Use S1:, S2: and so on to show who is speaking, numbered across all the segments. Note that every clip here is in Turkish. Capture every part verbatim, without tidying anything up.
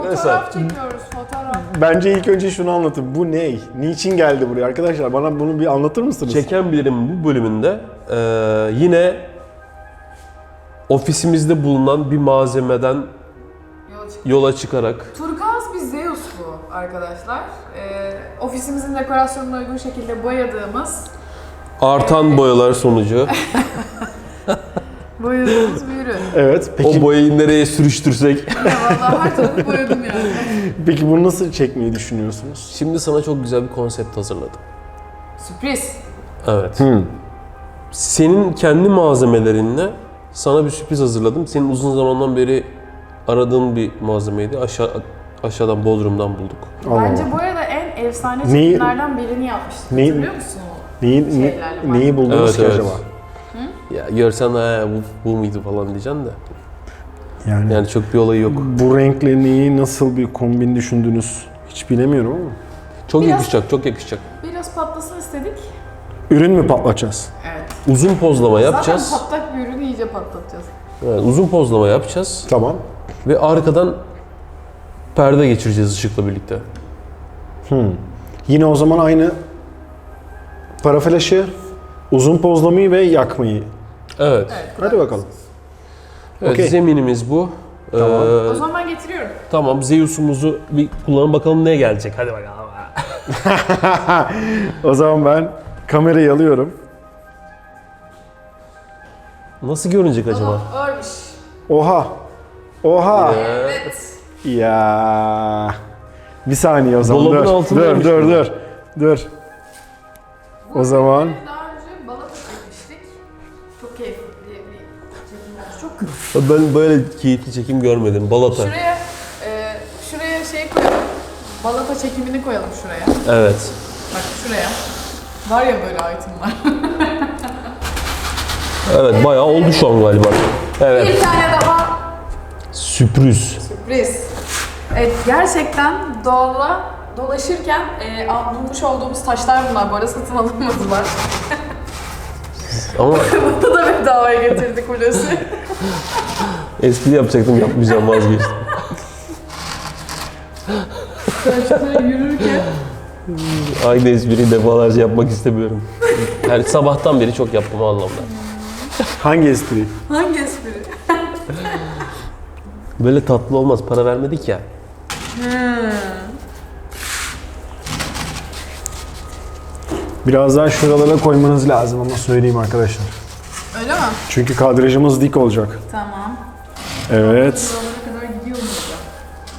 S1: Fotoğraf çekiyoruz, fotoğraf.
S2: Bence ilk önce şunu anlatın. Bu ne? Niçin geldi buraya arkadaşlar? Bana bunu bir anlatır mısınız?
S3: Çeken Bilirim bu bölümünde e, yine ofisimizde bulunan bir malzemeden
S1: Yola, çık
S3: yola çıkarak
S1: Turkuaz bir Zeus bu arkadaşlar. Ee, ofisimizin dekorasyonuna uygun şekilde boyadığımız
S3: artan boyalar sonucu
S1: boyadığımız bir ürün.
S2: Evet. Peki,
S3: o boyayı nereye sürüştürsek.
S1: Ya vallahi her tarafı boyadım yani.
S2: peki bunu nasıl çekmeyi düşünüyorsunuz?
S3: Şimdi sana çok güzel bir konsept hazırladım.
S1: Sürpriz.
S3: Evet.
S2: Hmm.
S3: Senin kendi malzemelerinle sana bir sürpriz hazırladım. Senin uzun zamandan beri aradığın bir malzemeydi. Aşağı aşağıdan Bodrum'dan bulduk.
S2: Allah
S1: Bence
S2: Allah.
S1: bu arada en efsane
S2: Neyi-
S1: çekimlerden birini yapmıştık.
S2: Neyi-
S1: Hatırlıyor musun o?
S2: Neyi, ne-
S1: Şeylerle var.
S2: neyi buldunuz
S3: Evet,
S2: ki
S3: evet.
S2: acaba?
S3: Ya görsen ha bu, bu muydu falan diyeceksin de.
S2: Yani,
S3: Yani çok bir olayı yok.
S2: bu renkle neyi nasıl bir kombin düşündünüz hiç bilemiyorum ama.
S3: Çok
S1: Biraz-
S3: yakışacak, çok yakışacak.
S1: Biraz patlasın istedik.
S2: Ürün mü patlatacağız?
S1: Evet.
S3: Uzun pozlama yapacağız.
S1: Zaten patlak bir ürünü iyice patlatacağız.
S3: Evet, uzun pozlama yapacağız
S2: Tamam.
S3: ve arkadan perde geçireceğiz ışıkla birlikte.
S2: Yine o zaman aynı para flaşı, uzun pozlamayı ve yakmayı.
S3: Evet.
S1: Evet.
S2: Hadi bakalım.
S3: Evet,
S2: Okey.
S3: zeminimiz bu.
S2: Tamam.
S3: Ee,
S1: O zaman ben getiriyorum.
S3: tamam, Zeus'umuzu bir kullanalım bakalım ne gelecek. Hadi bakalım.
S2: O zaman ben kamerayı alıyorum.
S3: Nasıl görünecek acaba?
S1: Tamam, örmüş.
S2: Oha. Oha.
S1: Evet.
S2: Ya. Bir saniye o zaman.
S3: Dolabın
S2: dur. Dur,
S3: altındaymış
S2: dur,
S3: bu.
S2: dur. Dur.
S1: Bu
S2: O zaman-
S1: ürünü daha önce balata çekmiştik. Çok keyifli bir çekim olmuş. Çok
S3: Ben böyle keyifli çekim görmedim. Balata.
S1: Şuraya, e, şuraya şey koyalım. Balata çekimini koyalım şuraya.
S3: Evet.
S1: Bak şuraya. Var ya böyle itemlar.
S3: Evet, bayağı oldu şu an galiba. Evet.
S1: Bir tane daha
S3: Sürpriz.
S1: sürpriz. Evet, gerçekten doğada dolaşırken e, al- bulmuş olduğumuz taşlar bunlar. Bu arada satın alınmadılar.
S3: Ama
S1: Bunu da bedavaya getirdik Hulusi.
S3: espri yapacaktım, yapmayacağım, vazgeçtim.
S1: Taşlar yürürken.
S3: Aynı espriyi defalarca yapmak istemiyorum. Yani sabahtan beri çok yaptım o anlamda.
S2: Hangi espri?
S1: Hangi espri?
S3: Böyle tatlı olmaz, para vermedik ya.
S2: Biraz daha şuralara koymanız lazım ama söyleyeyim arkadaşlar.
S1: Öyle mi?
S2: Çünkü kadrajımız dik olacak.
S1: Tamam.
S2: Evet.
S1: Buralara kadar gidiyor muyuz ya?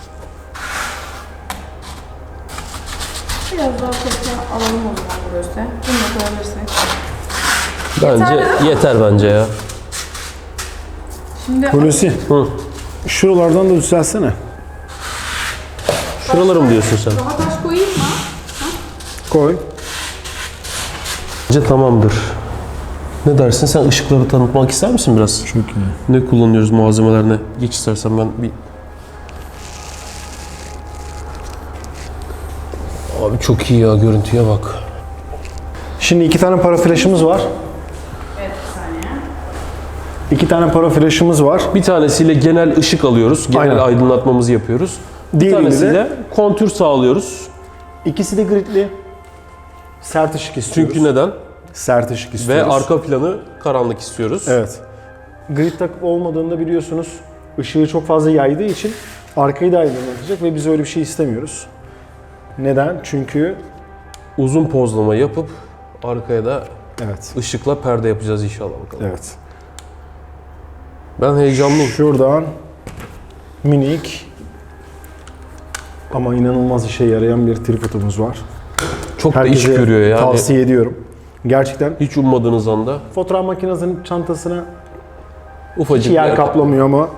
S1: Biraz daha tekrar alalım o zaman burası. Bunu da koyabilirsek.
S3: Bence
S1: Yeter
S3: yeter, bence ya.
S1: Şimdi
S2: Hulusi,
S3: Hı.
S2: şuralardan da düzelsene.
S3: Şuraları mı diyorsun sen?
S1: daha taş koyayım mı?
S2: Koy.
S3: Bence tamamdır. Ne dersin? Sen ışıkları tanıtmak ister misin biraz?
S2: Çok iyi.
S3: Ne kullanıyoruz, malzemeler ne? Geç istersen ben bir... Abi çok iyi ya, görüntüye bak.
S2: Şimdi iki tane para flaşımız var.
S1: Evet, bir saniye.
S2: İki tane para flaşımız var.
S3: Bir tanesiyle genel ışık alıyoruz, genel
S2: Aynen.
S3: aydınlatmamızı yapıyoruz. Bir
S2: Diğeriyle
S3: tanesiyle
S2: de
S3: kontür sağlıyoruz.
S2: ikisi de gridli. Sert ışık istiyoruz.
S3: Çünkü neden?
S2: Sert ışık
S3: Ve
S2: istiyoruz.
S3: arka planı karanlık istiyoruz.
S2: Evet. Grid takıp olmadığında biliyorsunuz ışığı çok fazla yaydığı için arkayı da aydınlatacak ve biz öyle bir şey istemiyoruz. Neden? Çünkü
S3: Uzun pozlama yapıp arkaya da
S2: evet.
S3: ışıkla perde yapacağız inşallah bakalım.
S2: Evet.
S3: Ben heyecanlıyım.
S2: Şuradan minik ama inanılmaz işe yarayan bir tripodumuz var.
S3: Çok da iş
S2: Herkese
S3: görüyor yani.
S2: tavsiye ediyorum. Gerçekten
S3: Hiç ummadığınız anda
S2: fotoğraf makinesinin çantasına
S3: ufacık
S2: hiç yer
S3: bir-
S2: kaplamıyor ama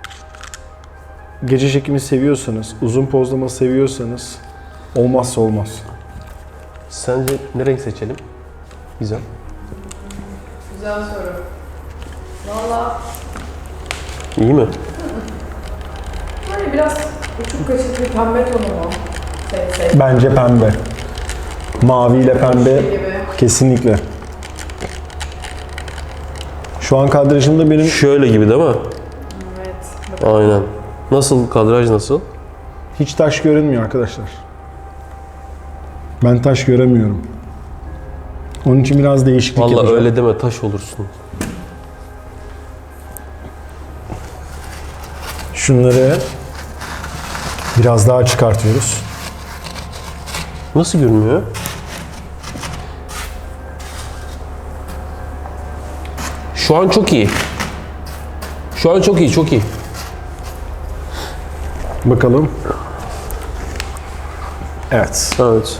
S2: gece çekimi seviyorsanız, uzun pozlama seviyorsanız olmazsa olmaz.
S3: Sence ne renk seçelim? Güzel.
S1: Güzel soru. Valla
S3: İyi mi?
S1: böyle biraz uçuk kaçık bir pembe tonu mu? Şey, şey
S2: Bence pembe. Mavi ile pembe
S1: gibi.
S2: kesinlikle. Şu an kadrajımda benim
S3: Şöyle gibi değil mi?
S1: Evet.
S3: Aynen. Nasıl, kadraj nasıl?
S2: Hiç taş görünmüyor arkadaşlar. Ben taş göremiyorum. Onun için biraz değişiklik
S3: Vallahi
S2: yapacağım.
S3: öyle deme, taş olursun.
S2: Şunları biraz daha çıkartıyoruz.
S3: Nasıl görünüyor? Şu an çok iyi. Şu an çok iyi, çok iyi.
S2: Bakalım. Evet.
S3: Evet.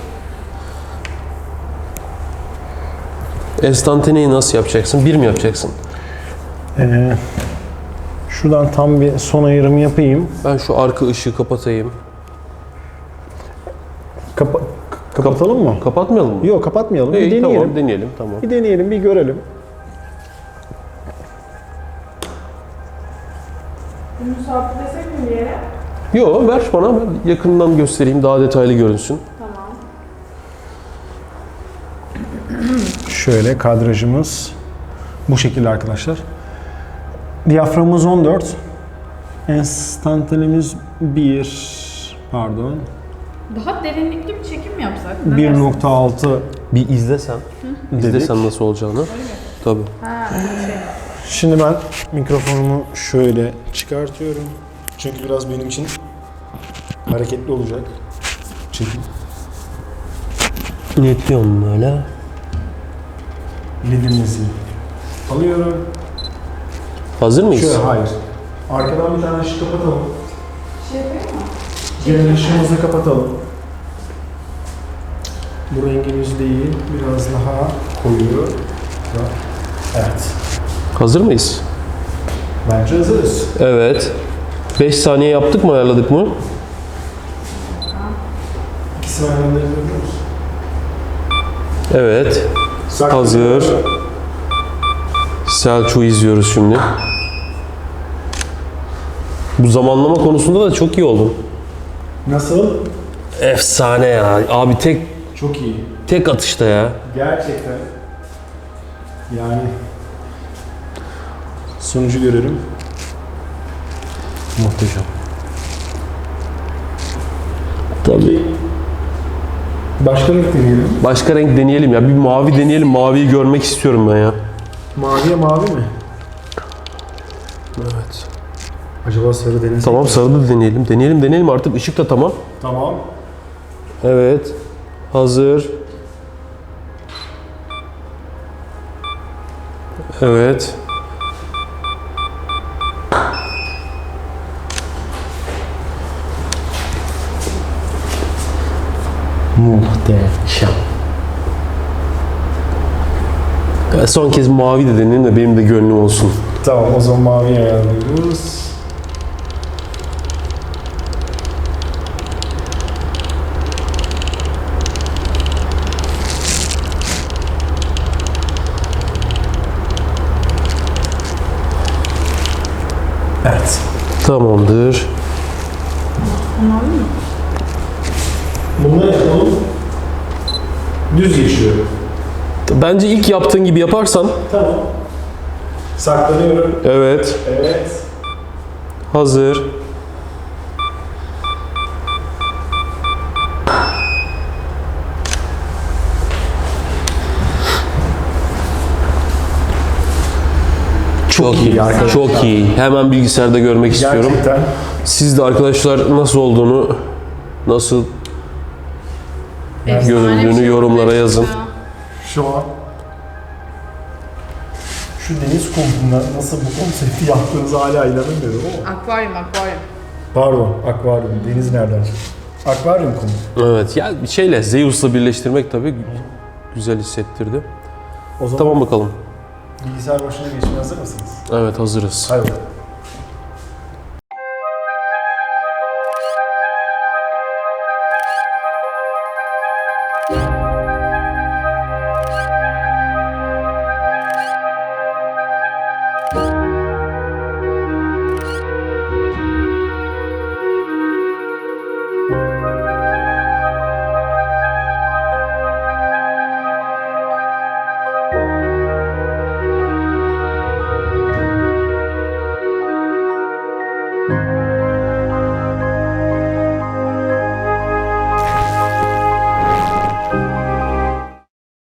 S3: Enstantaneyi nasıl yapacaksın? Bir mi yapacaksın?
S2: Ee, şuradan tam bir son ayırımı yapayım.
S3: Ben şu arka ışığı kapatayım.
S2: Kapa- kapatalım mı?
S3: Kapatmayalım mı?
S2: Yok, kapatmayalım. Bir
S3: İyi,
S2: deneyelim.
S3: tamam, deneyelim. Tamam.
S2: Bir deneyelim, bir görelim.
S1: Bunu sabitlesek mi bir yere?
S3: Yo, ver bana, ben yakından göstereyim, daha detaylı görünsün.
S1: Tamam.
S2: Şöyle kadrajımız bu şekilde arkadaşlar. Diyaframımız on dört. Enstantanemiz bir. Pardon.
S1: Daha derinlikli bir çekim mi yapsak? Ne
S2: bir
S1: dersin?
S2: nokta altı
S3: Bir izlesen. İzlesen nasıl olacağını. Tabii.
S1: Ha, şey.
S2: Şimdi ben mikrofonumu şöyle çıkartıyorum. Çünkü biraz benim için hareketli olacak. Çekim.
S3: Netliyorum böyle.
S2: Ledimizi alıyorum.
S3: Hazır mıyız?
S2: Şöyle hayır. Arkadan bir tane ışık kapatalım.
S1: Şey yapayım mı?
S2: Genel ışığımızı kapatalım. Bu rengimiz değil, biraz daha koyu. Evet.
S3: Hazır mıyız?
S2: Bence hazırız.
S3: Evet. beş saniye yaptık mı, ayarladık mı?
S2: İkisini aynı anda yapıyoruz.
S3: Evet. Hazır. Selçuk'u izliyoruz şimdi. Bu zamanlama konusunda da çok iyi oldun.
S2: Nasıl?
S3: Efsane ya. Abi tek
S2: Çok iyi.
S3: tek atışta ya.
S2: Gerçekten. Yani sonucu görelim.
S3: Muhteşem. Tabii.
S2: Başka renk deneyelim.
S3: Başka renk deneyelim ya. Bir mavi deneyelim. Maviyi görmek istiyorum ben ya.
S2: Maviye mavi mi?
S3: Evet.
S2: Acaba sarı denesek
S3: Tamam,
S2: mi?
S3: sarı da deneyelim. Deneyelim deneyelim artık. Işık da tamam.
S2: Tamam.
S3: Evet. Hazır. Evet.
S2: Muhteşem.
S3: Ya son kez mavi de deneyelim de benim de gönlüm olsun.
S2: Tamam, o zaman mavi ayarlıyoruz. Evet.
S3: Tamamdır.
S1: Mavi mi?
S2: Bunları yapalım. Düz geçiyor.
S3: Bence ilk yaptığın gibi yaparsan.
S2: Tamam. Saklanıyorum.
S3: Evet.
S2: Evet.
S3: Hazır. Çok iyi.
S2: arkadaşlar.
S3: Çok iyi. Hemen bilgisayarda görmek istiyorum.
S2: Gerçekten.
S3: Siz de arkadaşlar nasıl olduğunu, nasıl
S1: Efsane
S3: göründüğünü
S1: bir şey
S3: yorumlara
S1: oldu
S3: yazın.
S1: ya.
S2: Şu an şu deniz kumunda nasıl bu konsepti yaptığınızı hala inanamıyorum ama.
S1: Akvaryum, akvaryum.
S2: Pardon, akvaryum. Deniz nereden çıktı? Akvaryum kumu.
S3: Evet ya bir şeyle Zeus'la birleştirmek tabii güzel hissettirdi.
S2: O zaman
S3: Tamam bakalım.
S2: bilgisayar başına geçmeye hazır mısınız?
S3: Evet hazırız.
S2: Hayır.